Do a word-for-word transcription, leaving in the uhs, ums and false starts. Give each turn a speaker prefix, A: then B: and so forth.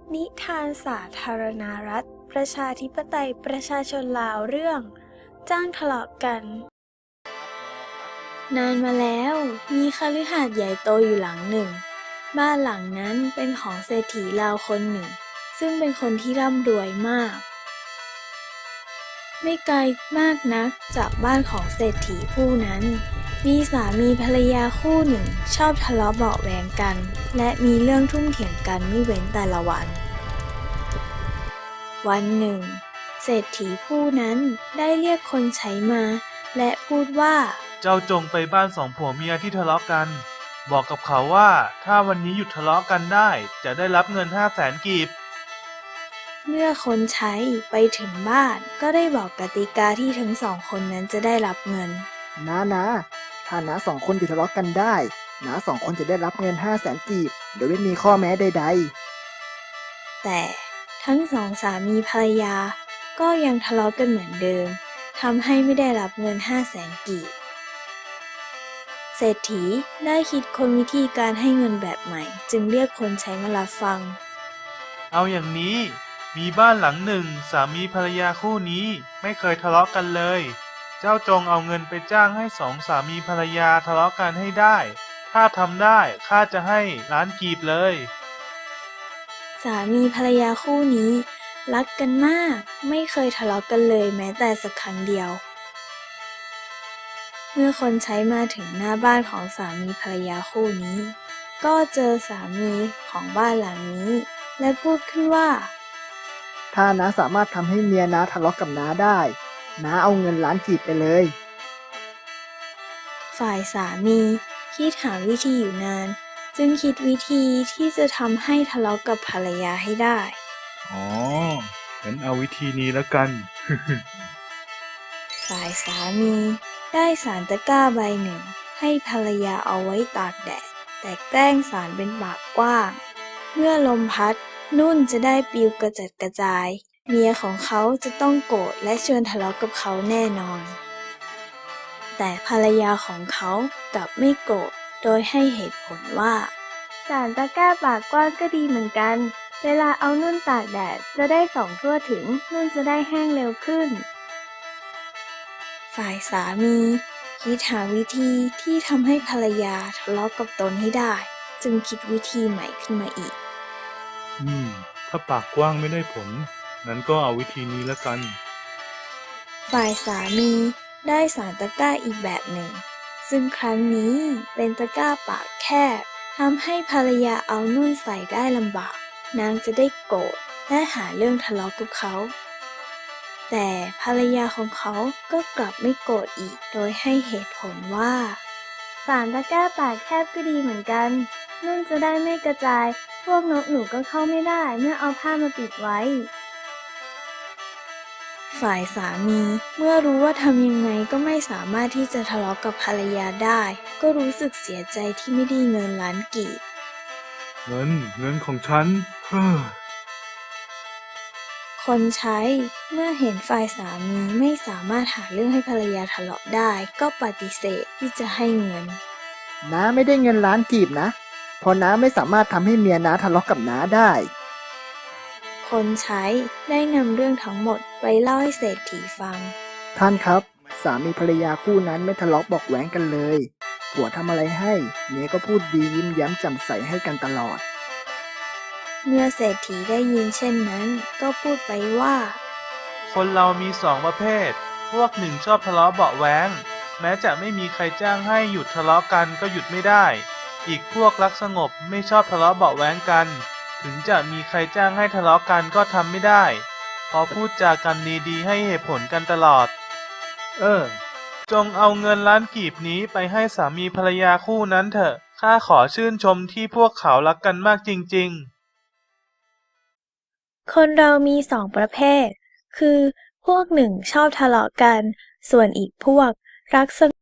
A: นิทานสาธารณรัฐประชาธิปไตยประชาชนลาวเรื่องจ้างทะเลาะกัน นานมาแล้วมีคฤหาสน์ใหญ่โตอยู่หลังหนึ่ง บ้านหลังนั้นเป็นของเศรษฐีลาวคนหนึ่ง ซึ่งเป็นคนที่ร่ำรวยมาก ไม่ไกลมากนักจากบ้านของเศรษฐีผู้นั้น มีสามีภรรยาคู่หนึ่งชอบทะเลาะเบาะแว้งกัน และมีเรื่องทุ่มเถียงกันไม่เว้นแต่ละวัน วันหนึ่ง เศรษฐีผู้นั้นได้เรียกคนใช้มา และพูดว่า
B: เจ้าจงไปบ้านสองผัวเมียที่ทะเลาะกัน บอกกับเขาว่าถ้าวันนี้หยุดทะเลาะกันได้จะได้รับเงินห้าแสนกีบ
A: เมื่อคนใช้ไปถึงบ้านก็ได้บอกกติกาที่ทั้งสองคนนั้นจะได้รับเงิน
C: น้านะถ้าน้าสองคนหยุดทะเลาะกันได้น้าสองคนจะได้รับเงินห้าแสนกีบโดยไม่มีข้อแม้ใด
A: แต่ทั้งสองสามีภรรยาก็ยังทะเลาะกันเหมือนเดิมทำให้ไม่ได้รับเงินห้าแสนกีบ เศรษฐีได้คิดค้นวิธีการให้เงินแบบใหม่ จึงเรียกคนใช้มารับฟัง
B: เอาอย่างนี้ มีบ้านหลังหนึ่งสามีภรรยาคู่นี้ไม่เคยทะเลาะกันเลย เจ้าจงเอาเงินไปจ้างให้สองสามีภรรยาทะเลาะกันให้ได้ ถ้าทำได้ข้าจะให้ล้านกีบเลย
A: สามีภรรยาคู่นี้รักกันมากไม่เคยทะเลาะกันเลยแม้แต่สักครั้งเดียว เมื่อคนใช้มาถึงหน้าบ้านของสามีภรรยาคู่นี้ ก็เจอสามีของบ้านหลังนี้ และพูดขึ้นว่า
C: ๆ ถ้าน้าสามารถทำให้เมียน้าทะเลาะกับน้าได้น้าเอาเงินล้านกีบไปเลย
A: ฝ่ายสามีคิดหาวิธีอยู่นาน จึงคิดวิธีที่จะทำให้ทะเลาะกับภรรยาให้ได้
B: อ๋องั้นเอาวิธีนี้แล้วกัน
A: ฝ่ายสามีได้สารตะกร้าใบหนึ่งให้ภรรยาเอาไว้ตากแดด แต่แกล้งสารเป็นปากกว้าง เมื่อลมพัดนุ่นจะได้ปลิวกระจัดกระจาย เมียของเขาจะต้องโกรธและชวนทะเลาะกับเขาแน่นอน แต่ภรรยาของเขากลับไม่โกรธโดยให้เหตุผลว่า สารตะกร้าปากกว้างก็ดีเหมือนกัน เวลาเอานุ่นตากแดดจะได้ส่องทั่วถึงนุ่นจะได้แห้งเร็วขึ้น ฝ่ายสามีคิดหาวิธีที่ทำให้ภรรยาทะเลาะกับตนให้ได้ จึงคิดวิธีใหม่ขึ้นมาอีก
B: อืม ถ้าปากกว้างไม่ได้ผล งั้นก็เอาวิธีนี้แล้วกัน
A: ฝ่ายสามีได้สารตะกร้าอีกแบบหนึ่ง ซึ่งครั้งนี้เป็นตะกร้าปากแคบทำให้ภรรยาเอานุ่นใส่ได้ลำบาก นางจะได้โกรธและหาเรื่องทะเลาะกับเขา แต่ภรรยาของเขาก็กลับไม่โกรธอีก โดยให้เหตุผลว่า สารตะกร้าปากแคบก็ดีเหมือนกัน นุ่นจะได้ไม่กระจาย พวกนกหนูก็เข้าไม่ได้เมื่อเอาผ้ามาปิดไว้ ฝ่ายสามีเมื่อรู้ว่าทำยังไงก็ไม่สามารถที่จะทะเลาะกับภรรยาได้ ก็รู้สึกเสียใจที่ไม่ได้เงินล้านกีบ
B: เงิน เงินของฉัน เฮ้อ
A: คนใช้เมื่อเห็นฝ่ายสามีไม่สามารถหาเรื่องให้ภรรยาทะเลาะได้ ก็ปฏิเสธที่จะให้เงิน
C: น้าไม่ได้เงินล้านกีบนะเพราะน้าไม่สามารถทำให้เมียน้าทะเลาะกับน้าได้
A: คนใช้ได้นำเรื่องทั้งหมดไปเล่าให้เศรษฐีฟัง
C: ท่านครับ สามีภรรยาคู่นั้นไม่ทะเลาะเบอกแว้งกันเลยผัวทำอะไรให้เมียก็พูดดียิ้มแย้มแจ่มใสให้กันตลอด
A: เมื่อเศรษฐีได้ยินเช่นนั้น ก็พูดไปว่า
B: คนเรามีสองประเภท พวกหนึ่งชอบทะเลาะเบาะแว้ง แม้จะไม่มีใครจ้างให้หยุดทะเลาะกันก็หยุดไม่ได้ อีกพวกรักสงบไม่ชอบทะเลาะเบาะแว้งกัน ถึงจะมีใครจ้างให้ทะเลาะกันก็ทำไม่ได้ เพราะพูดจากันดีๆให้เหตุผลกันตลอด เออ จงเอาเงินล้านกีบนี้ไปให้สามีภรรยาคู่นั้นเถอะ ข้าขอชื่นชมที่พวกเขารักกันมากจริงๆ
A: คนเรามีสองประเภท คือพวกหนึ่งชอบทะเลาะกัน ส่วนอีกพวกรักส